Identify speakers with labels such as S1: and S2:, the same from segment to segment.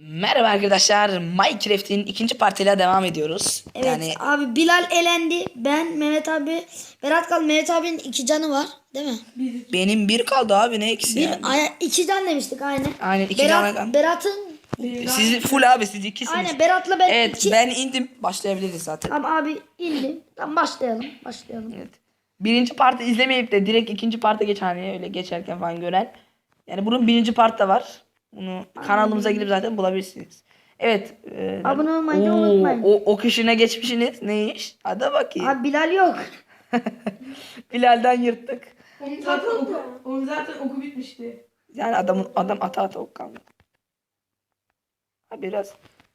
S1: Merhaba arkadaşlar. Minecraft'in ikinci partiyle devam ediyoruz.
S2: Evet
S1: Yani
S2: abi Bilal elendi. Ben Mehmet abi. Berat kaldı. Mehmet abinin 2 canı var. Değil mi?
S1: benim bir kaldı abi, ne eksi yani.
S2: 2 can demiştik aynı.
S1: Aynen, 2 canı kaldı.
S2: Berat'ın
S1: Siz full abi, siz ikisiniz.
S2: aynen Berat'la ben
S1: Evet,
S2: 2.
S1: ben indim. Başlayabiliriz zaten.
S2: Tamam abi indi. Tamam başlayalım.
S1: Evet. Birinci partı izlemeyip de direkt ikinci parta geç, hani öyle geçerken falan gören. Yani bunun birinci part da var. Bunu kanalımıza gidip zaten bulabilirsiniz. Evet.
S2: Abone olmayı da unutmayın.
S1: O kişine geçmişsiniz. Ne iş? Hadi bakayım.
S2: Abi Bilal yok.
S1: Bilal'den yırttık.
S3: Onun zaten oku bitmişti.
S1: Yani adam ata ok kaldı. Ha biraz.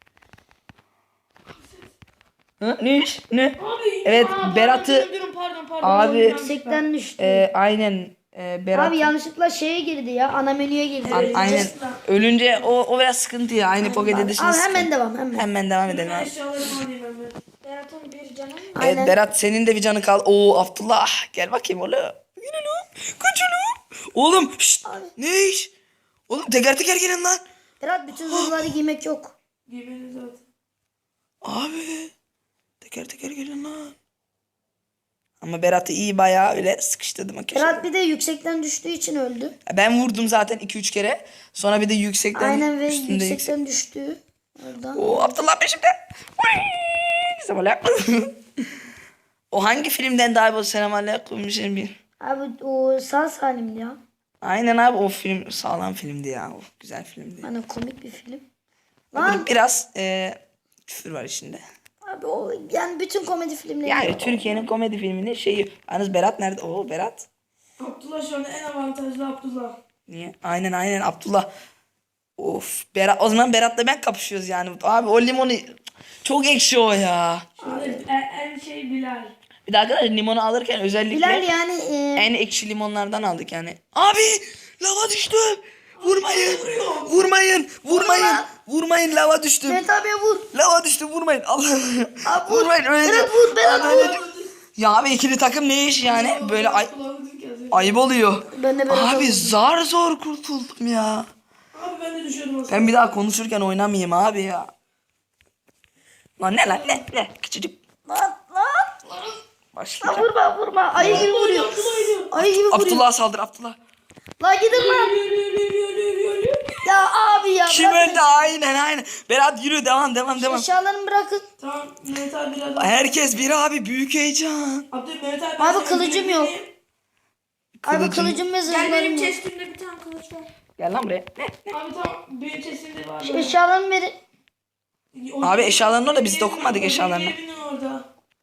S1: Ne iş? Ne?
S3: Abi,
S1: Evet, Berat'ı
S3: pardon.
S1: abi
S2: Yüksekten düştü.
S1: aynen Berat
S2: Abi yanlışlıkla şeye girdi ya. Ana menüye girdi.
S1: aynen ölünce o biraz sıkıntı ya. Aynı Pocket Edition
S2: Abi
S1: sıkıntı.
S2: hemen devam hemen.
S1: Hemen devam edelim
S3: Ben
S1: abi.
S3: eşyalarımı alayım hemen. Berat'ın bir canı mı?
S1: Evet
S2: Aynen.
S1: Berat, senin de bir canı kal. Oo Abdullah, gel bakayım oğlum. Yine lan. Kaç oğlum. Oğlum şşt. Ne iş? Oğlum teker teker gelin lan.
S2: Berat bütün zırhları giymek yok.
S3: Yemeğini zaten.
S1: Abi teker teker gelin lan. Ama Berat'ı iyi bayağı öyle sıkıştırdım.
S2: Berat bir de yüksekten düştüğü için öldü.
S1: Ben vurdum zaten 2-3 kere. Sonra bir de yüksekten
S2: Aynen ve
S1: üstünde
S2: yüksekten düştü. Oradan.
S1: Oo Abdullah peşimde. Selamünaleyküm. O hangi filmden daha bu selamünaleyküm bir şey bir.
S2: Abi o sağ salim ya.
S1: Aynen abi, o film sağlam filmdi ya. O güzel filmdi.
S2: Hani komik bir film.
S1: Bunun
S2: Lan
S1: biraz küfür var içinde.
S2: abi o yani bütün komedi filmleri.
S1: Yani Türkiye'nin komedi filminin şeyi. Yalnız Berat nerede? Oo Berat.
S3: Abdullah şu anda en avantajlı Abdullah.
S1: Niye? Aynen Abdullah. Of Berat, o zaman Berat'la ben kapışıyoruz yani. Abi o limonu çok ekşi o ya.
S3: Şimdi en şey Bilal.
S1: Bir de arkadaşlar limonu alırken özellikle
S2: Bilal yani
S1: en ekşi limonlardan aldık yani. Abi lava düştü. Vurmayın, lava düştü.
S2: Mehmet abiye vur.
S1: Lava düştü, vurmayın. Allah.
S2: Abi vur.
S1: Vurmayın öyle.
S2: Berat vur. Berat vur.
S1: Ya abi ikili takım ne iş yani? Böyle
S3: Kulağını ki az önce.
S1: ayıp oluyor.
S2: Ben de Berat'a
S1: Abi
S2: vurdum.
S1: zar zor kurtuldum ya.
S3: Abi ben de düşüyordum aslında.
S1: Ben bir daha konuşurken oynamayayım abi ya. Lan ne lan ne küçücük.
S2: Lan.
S1: Başlayacağım.
S2: Vurma. Ayı gibi vuruyor. Ayı gibi vuruyor.
S1: Abdullah'a saldır, Abdullah.
S2: Lan gidin lan. Ya abi ya.
S1: Kim
S2: bırakın.
S1: öldü? Aynen. Berat yürü, devam.
S2: Eşyalarını bırakın.
S3: Tamam Mehmet abi biraz daha.
S1: Herkes bir abi, büyük heyecan.
S3: Mehmet abi.
S2: Abi kılıcım yok. Abi kılıcım ve
S3: Gel benim
S2: zırhlarım yok.
S3: chestimde bir tane kılıç var.
S1: Gel lan buraya.
S3: Abi tamam benim chestimde var.
S2: Eşyalarımı verin.
S1: Abi eşyalarını orada, biz
S3: Benim
S1: dokunmadık
S3: evim-
S1: eşyalarına.
S3: benim evimin orada.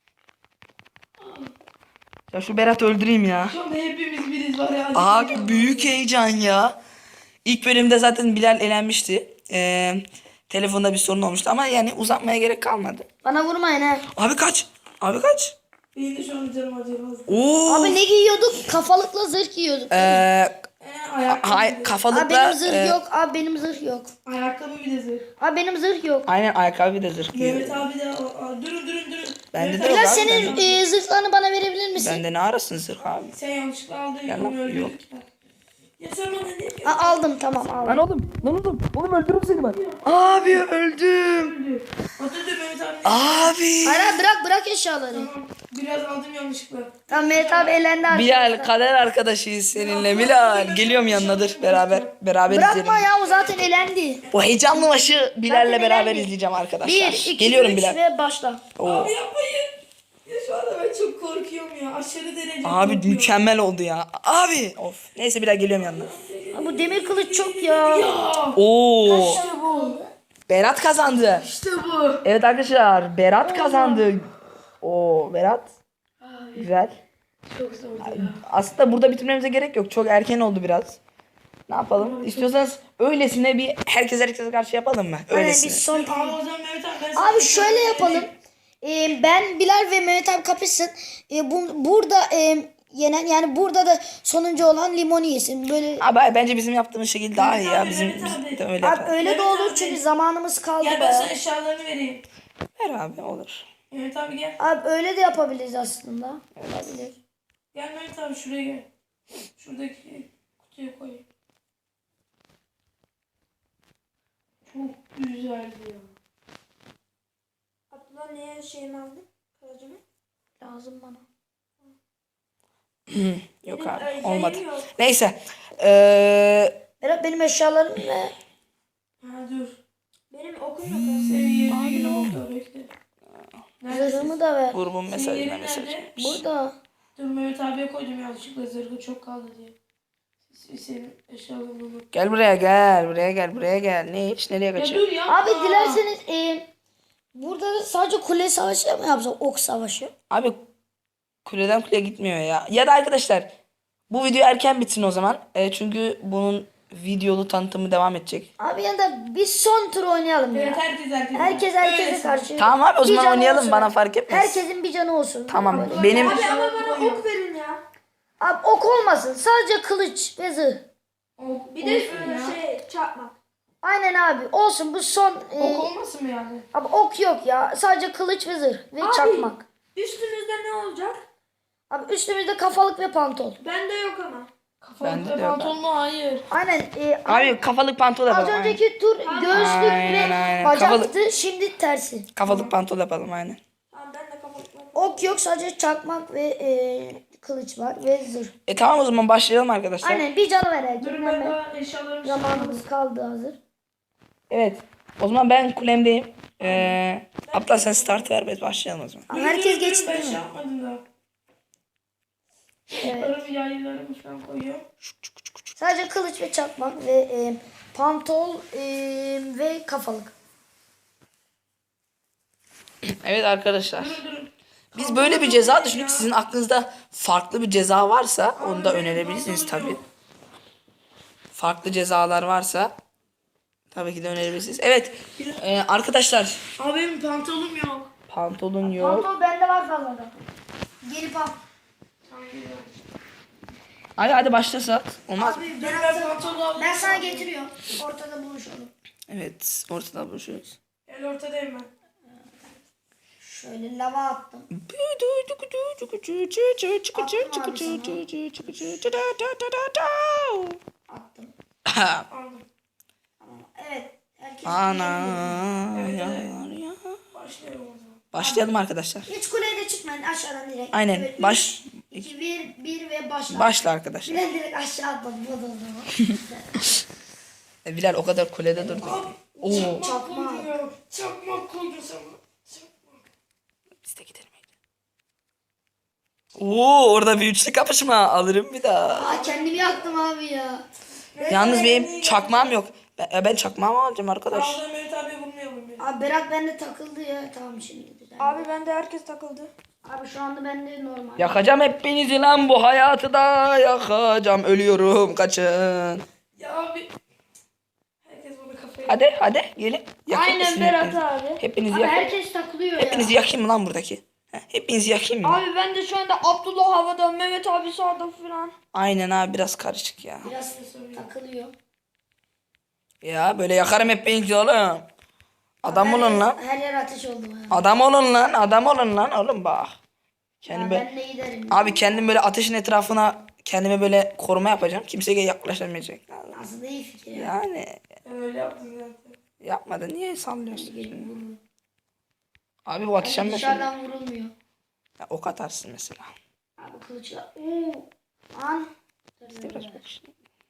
S1: Ya şu Berat'ı öldüreyim ya.
S3: Şu anda hepimiz biriz var ya.
S1: Abi büyük heyecan ya. İlk bölümde zaten Bilal elenmişti. Telefonda bir sorun olmuştu ama yani uzatmaya gerek kalmadı.
S2: Bana vurmayın ha.
S1: Abi kaç.
S3: Benim de şu an canım acıyor.
S1: Oo.
S2: Abi ne giyiyorduk? Kafalıkla zırh giyiyorduk.
S3: Ayakkabı.
S1: Kafalıkla.
S2: Abi benim zırh yok. Abi benim zırh yok.
S3: Ayakkabı bir de zırh.
S2: Abi benim zırh yok.
S1: Aynen ayakkabı de zırh giyiyor.
S3: Mehmet abi de durun.
S1: Bende de
S3: Mehmet
S1: yok
S2: Bilal
S1: abi,
S2: senin zırhlarını bana verebilir misin?
S1: Bende ne arasın zırh abi.
S3: Sen yanlışlıkla aldın
S1: Gel
S3: ya
S1: lan,
S3: onu öldürdük ya. Ya sen bana ne diyorsun?
S2: Aldım tamam aldım.
S1: Oğlum öldürürüm seni ben. Abi öldüm.
S3: Atatürk Mehmet abi.
S1: Abi.
S2: Hayır bırak eşyaları.
S3: Tamam. Biraz aldım yanlışlıkla.
S2: Tamam Mehmet abi elendi artık.
S1: Bilal kader arkadaşıyız seninle. Bilal geliyorum yanınadır, beraber
S2: Bırakma
S1: izleyelim.
S2: ya o zaten elendi.
S1: O heyecanlı maçı Bilal'le
S2: Zaten
S1: beraber
S2: elendi.
S1: izleyeceğim arkadaşlar.
S2: 1, 2,
S1: Geliyorum
S2: 3
S1: Bilal.
S2: ve başla.
S1: Oo.
S3: Abi yapmayın. Ya şu anda ben çok korkuyorum ya. Aşırı derece
S1: Abi
S3: korkuyorum.
S1: mükemmel oldu ya. Abi. Of. Neyse Bilal geliyorum yanına.
S2: Abi bu demir kılıç çok ya.
S1: Oo.
S2: İşte bu.
S1: Berat kazandı.
S3: İşte bu.
S1: Evet arkadaşlar, Berat kazandı. Oo Berat. Güzel.
S3: Çok zordu ya.
S1: Aslında burada bitirmemize gerek yok. Çok erken oldu biraz. Ne yapalım? İstiyorsanız öylesine bir herkese karşı yapalım mı?
S2: Aynen
S1: Öylesine.
S2: biz son.
S3: Abi o zaman Mehmet abi ben sana
S2: Abi şöyle yapalım. Ben Bilal ve Mehmet abi kapışsın. Burada yenen yani burada da sonuncu olan limonu yesin. Böyle
S1: Abi bence bizim yaptığımız şekil daha iyi ya.
S3: Abi,
S1: Bizim
S3: evet abi.
S1: biz de öyle
S2: abi
S1: yapalım.
S2: öyle de
S3: Mehmet
S2: olur
S3: abi.
S2: çünkü zamanımız kaldı
S3: Gel ben
S2: bayağı.
S3: sana eşyalarını vereyim.
S1: Ver abi, olur.
S3: Mehmet abi gel.
S2: Abi öyle de yapabiliriz aslında. Olabilir.
S3: Gel Mehmet abi şuraya gel. Şuradaki kutuya koy. Çok güzeldi ya.
S2: Abdullah niye şeyimi aldın? Kılıcımı. Lazım bana.
S1: Yok
S3: Benim,
S1: abi
S3: yayım
S1: olmadı.
S3: yok.
S1: Neyse.
S2: Berat benim eşyalarım ne?
S3: Ha dur.
S2: Benim okum yok.
S3: Seviye 20 oldu bekle.
S2: Zırhımı da ver.
S1: grubun mesajına
S3: Senin yerin
S1: mesaj.
S3: nerede?
S2: Burada.
S3: Dur Mehmet abiye koydum yanlışlıkla zırhı çok kaldı diye. Senin eşyalarını unut.
S1: Gel buraya gel. Buraya gel. Buraya gel. Ne hiç nereye
S3: Ya
S1: kaçıyor?
S3: dur yapma.
S2: Abi dilerseniz burada da sadece kule savaşı mı yapsak? Ok savaşı.
S1: Abi kuleden kuleye gitmiyor ya. Ya da arkadaşlar bu video erken bitsin o zaman. Çünkü bunun videolu tanıtımı devam edecek.
S2: Abi ya da bir son tur oynayalım
S3: Evet
S2: ya.
S3: herkese.
S2: Herkes herkese
S3: Öylesin.
S2: karşı.
S1: Tamam abi o
S2: Bir
S1: zaman
S2: canı
S1: oynayalım
S2: olsun.
S1: bana fark etmez.
S2: Herkesin bir canı olsun.
S1: Tamam
S2: Abi,
S1: benim
S3: Abi ama bana ok verin ya.
S2: abi ok olmasın. Sadece kılıç ve zırh.
S3: Ok,
S4: Bir de
S3: olsun ya.
S4: çarpmak.
S2: Aynen abi. Olsun bu son.
S3: Ok olmasın mı yani?
S2: Abi ok yok ya. Sadece kılıç ve zırh ve
S4: Abi.
S2: çakmak.
S4: Üstümüzde ne olacak?
S2: Abi üstümüzde kafalık ve pantol.
S4: Bende yok ama.
S1: Bende de
S3: Kafalıkta
S1: yok.
S3: pantolon mu? Hayır.
S2: Aynen.
S1: Abi kafalık pantol
S2: Az
S1: yapalım. Aynen.
S2: önceki tur göğüslük
S1: Aynen,
S2: ve
S1: aynen.
S2: bacaktı. Şimdi tersi.
S1: Kafalık pantol yapalım aynen.
S4: Tamam ben de kafalıkla.
S2: Ok yok, sadece çakmak ve kılıç var ve zırh.
S1: Tamam o zaman başlayalım arkadaşlar.
S2: Aynen, bir canı ver herkes.
S3: Dur ben daha eşyalarımı
S2: Zamanımız kaldı hazır.
S1: Evet. O zaman ben kulemdeyim. Abdullah sen start ver biz başlayalım o zaman.
S2: Ama herkes geçti
S3: Ben
S2: değil
S3: şey
S2: mi?
S3: yapmadım daha.
S2: Evet.
S3: Arabı yaylarımı falan koyuyorum.
S2: Sadece kılıç ve çakmak ve pantol ve kafalık.
S1: Evet arkadaşlar.
S3: Dur.
S1: Biz böyle bir ceza düşündük. Sizin aklınızda farklı bir ceza varsa onu da önerebilirsiniz tabii. Farklı cezalar varsa tabii ki de önerebilirsiniz. Evet arkadaşlar
S3: Abi benim pantolonum yok.
S1: pantolon yok.
S2: Pantol bende var fazladan. Gelip al.
S1: Hadi başlasak. Olmaz mı?
S2: Abi
S3: Dur ben pantolon aldım.
S2: ben sana getiriyorum. Ortada buluşalım.
S1: Evet ortada buluşuyoruz.
S3: El ortadayım ben.
S2: Şöyle lava attım. Attım.
S3: Aldım.
S2: Evet. Herkes
S1: Ana
S3: Evet,
S1: ya,
S3: evet.
S1: ya.
S3: Başlıyorum o zaman.
S1: Başlayalım arkadaşlar.
S2: hiç kuleye de çıkmayın, aşağıdan direkt.
S1: Aynen,
S2: Evet,
S1: baş-
S2: 2 1 ve başla.
S1: Başla arkadaşlar.
S2: Ben direkt aşağı atladım. O da o zaman.
S1: Bilal o kadar kulede durdu. Oo.
S3: Çakmak koydum ya. Çakmak koydum sana. Çakmak.
S1: Biz de gidelim. Oo orada bir üçlü kapışma alırım bir daha.
S2: Aa, kendimi yaktım abi ya.
S1: Yalnız benim çakmağım yok. Ben çakmağımı alacağım arkadaş.
S3: Ağzına Mehmet abi bulmayalım beni.
S2: Abi Berat bende takıldı ya. Tamam şimdi düzeldi.
S4: Abi bende herkes takıldı.
S2: Abi şu anda bende normal.
S1: Yakacağım hepinizi lan bu hayatı da yakacağım. Ölüyorum kaçın.
S3: Ya abi. Herkes bana kafayı.
S1: Hadi gelin. Yakayım
S4: Aynen
S1: sizi
S4: Berat
S1: hepinizi.
S4: abi.
S1: Hepinizi
S2: Abi
S1: yakayım.
S2: herkes takılıyor ya.
S1: Hepinizi yakayım mı lan buradaki? Hepinizi yakayım mı?
S4: Abi ben de şu anda Abdullah havada, Mehmet abi sağda falan.
S1: Aynen abi biraz karışık ya.
S2: Biraz takılıyor.
S1: Ya böyle yakarım hepinizi oğlum. Adam olun lan.
S2: Her yer ateş oldu ya.
S1: Adam olun lan. Adam olun lan oğlum bak. Kendim böyle,
S2: Ben de giderim.
S1: abi kendim böyle ateşin etrafına kendime böyle koruma yapacağım. Kimseye yaklaşamayacak.
S2: Aslında iyi fikir ya.
S1: Yani
S3: Ben öyle yaptım zaten.
S1: yapmadı. Niye sallıyorsun?
S2: Gelin vurun.
S1: Abi bu ateşen mesela.
S2: Dışarıdan vurulmuyor.
S1: Ya, ok atarsın mesela.
S2: Abi kılıçla. Oo. An.
S1: Biraz bak işte.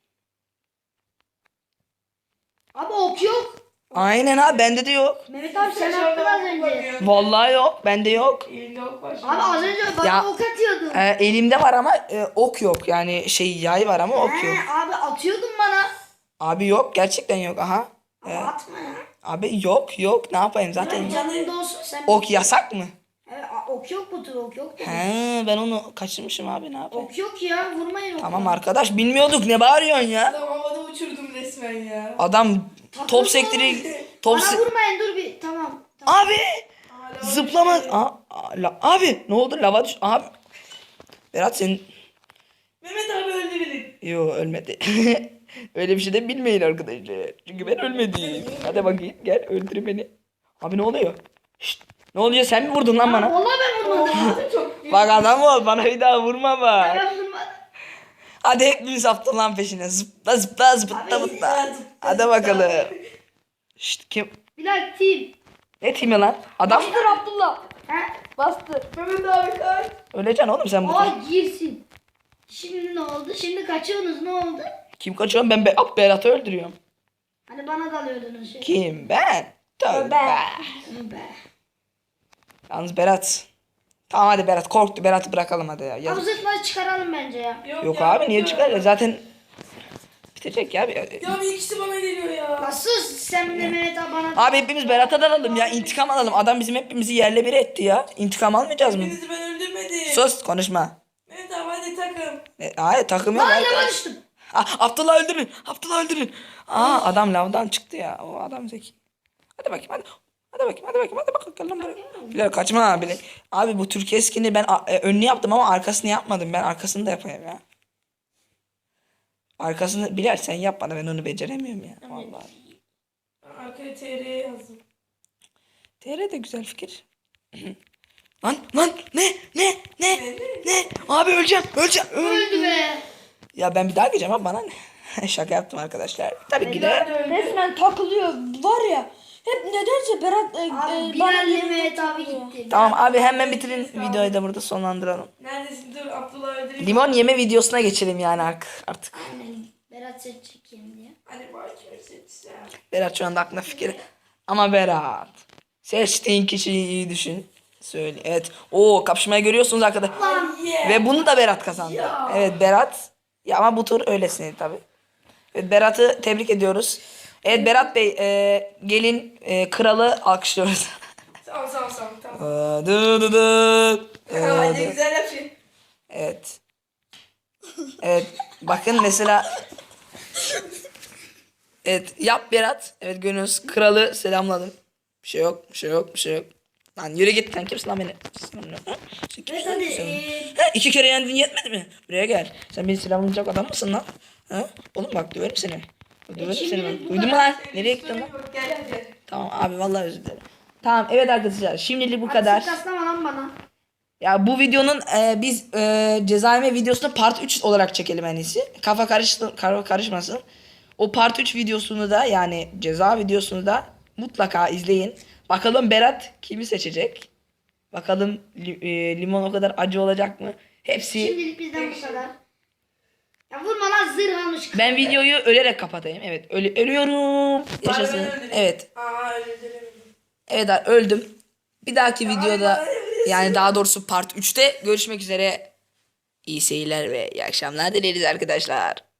S2: Abi ok yok.
S1: Aynen abi bende de yok.
S2: Mehmet abi sen attın az önce.
S1: Vallahi yok. Bende yok.
S3: Elinde ok var.
S2: Abi az önce bana
S1: Ya.
S2: ok atıyordun.
S1: Elimde var ama ok yok. Yani şey yay var ama ok yok.
S2: Abi atıyordun bana.
S1: Abi yok. Gerçekten yok. Aha.
S2: Ama atma ya.
S1: Abi yok. Ne yapayım zaten.
S2: Canın da olsun sen.
S1: Ok yasak mı?
S2: Evet, ok yok bu tür ok yok.
S1: He ben onu kaçırmışım abi ne yapayım?
S2: Ok yok ya, vurmayın oku.
S1: Tamam arkadaş bilmiyorduk ne bağırıyorsun ya?
S3: Adam havada uçurdum resmen ya.
S1: Adam top sektiri top
S2: Bana
S1: se-
S2: vurmayın, dur bir. Tamam. Tamam.
S1: Abi zıplama. Abi ne oldu lava düş. Abi. Berat sen
S3: Mehmet abi öldü beni.
S1: yo ölmedi. Öyle bir şey de bilmeyin arkadaşlar. Çünkü ben ölmedim. Hadi bakayım gel öldür beni. Abi ne oluyor? Şşt, ne oluyor sen mi vurdun lan bana?
S2: Vallahi ben vurmadım.
S3: Çok
S1: Bak adam ol bana bir daha vurma bak.
S2: Ben vurmadım.
S1: Hadi hepimiz Abdullah'ın peşine. Zıpla zıpla zıpla zıpla. Hadi bakalım. Şşt, kim?
S2: Bilal team.
S1: Ne timi lan? Adam
S4: Bastır Abdullah.
S2: He?
S4: Bastır.
S3: Mehmet abi kaç.
S1: öleceksin oğlum sen bu.
S2: Aa girsin. Şimdi ne oldu? Şimdi kaçıyorsunuz, ne oldu?
S1: Kim kaçıyor? Ben Berat'ı öldürüyorum.
S2: Hani bana dalıyordunuz şey.
S1: Kim? Ben. Tövbe.
S2: Be.
S1: Yalnız Berat. Tamam hadi Berat korktu. Berat'ı bırakalım hadi ya.
S2: Abi
S1: Yazık.
S2: zırhları çıkaralım bence ya.
S1: Yok
S3: ya,
S1: abi niye
S3: yok
S1: çıkar?
S3: ya.
S1: Zaten bitecek ya.
S3: Ya bir ikisi bana geliyor ya.
S2: Nasıl sen de Mehmet abi bana...
S1: Abi hepimiz Berat'a dalalım ya. İntikam alalım. Adam bizim hepimizi yerle bir etti ya. İntikam almayacağız mı?
S3: Hepinizi ben öldürmedim.
S1: Sus konuşma.
S3: Mehmet abi hadi takım.
S1: Hayır takım yok.
S2: Aa
S1: Hayır.
S2: lava düştüm.
S1: Abdullah öldürün. Abdullah öldürün. Adam lavdan çıktı ya. O adam zeki. Hadi bakayım hadi. Hadi bakayım hadi bakayım hadi bakayım gel lan buraya. Bilal kaçma abi. Abi bu Türkiye skin'i ben önünü yaptım ama arkasını yapmadım. Ben arkasını da yapayım ya. Arkasını Bilal sen yap bana ben onu beceremiyorum ya. Vallahi.
S3: Arkaya TR'ye yazdım.
S1: TR de güzel fikir. Lan ne? Abi öleceğim.
S2: Öldü be.
S1: Ya ben bir daha gireceğim abi bana ne? Şaka yaptım arkadaşlar. Tabii ki de.
S4: Resmen takılıyor. Var ya. Hep nedense Berat
S2: Abi
S4: bana
S2: Bilal'le
S4: geliyor,
S2: Mehmet abi
S4: takılıyor.
S2: gitti.
S1: Tamam abi hemen bitirin videoyu da burada sonlandıralım.
S3: Neredesin? Dur Abdullah öldüreyim.
S1: Limon yeme videosuna geçelim yani artık.
S2: Aynen. Berat seçecek yemin diye.
S3: Hadi bak kimi seçsem.
S1: Berat şu anda aklına fikir. Ama Berat. Seçtiğin kişiyi iyi düşün. Söyle. Evet. Oo kapışmayı görüyorsunuz arkadaşlar.
S3: Yeah.
S1: Ve bunu da Berat kazandı. Evet Berat. Ya ama bu tur öylesine tabii. Evet Berat'ı tebrik ediyoruz. Evet Berat Bey gelin kralı alkışlıyoruz.
S3: Tamam. Tamam.
S1: Dı dı dı.
S3: Aa, ne güzel yapıyor.
S1: Evet. Evet. Bakın mesela. Evet yap Berat. Evet görüyorsunuz. Kralı selamladım. Bir şey yok. Lan yürü git sen kimsin lan beni?
S2: Evet hadi.
S1: Ha, 2 kere yendin yetmedi mi? Buraya gel. Sen beni selamlayacak adam mısın lan? Ha? Oğlum bak döverim seni. Döverim seni ben. Duydun mu lan? Nereye gittin lan?
S3: Gel hadi.
S1: Tamam abi vallahi özür dilerim. Tamam evet arkadaşlar şimdilik bu kadar.
S2: Taslama lan bana.
S1: Ya bu videonun biz cezaevine videosunu part 3 olarak çekelim en iyisi. Kafa karışmasın. O part 3 videosunu da yani ceza videosunu da mutlaka izleyin. Bakalım Berat kimi seçecek? Bakalım limon o kadar acı olacak mı? Hepsi.
S2: Şimdilik bizden bu kadar. Ya vurma lan zırh almış.
S1: Ben videoyu ölerek kapatayım. Evet ölüyorum. Yaşasın.
S3: Ben öldüreyim.
S1: Evet.
S3: Aa öldüremedim.
S1: Evet öldüm. Bir dahaki videoda yani daha doğrusu part 3'te görüşmek üzere. İyi seyirler ve iyi akşamlar dileriz arkadaşlar.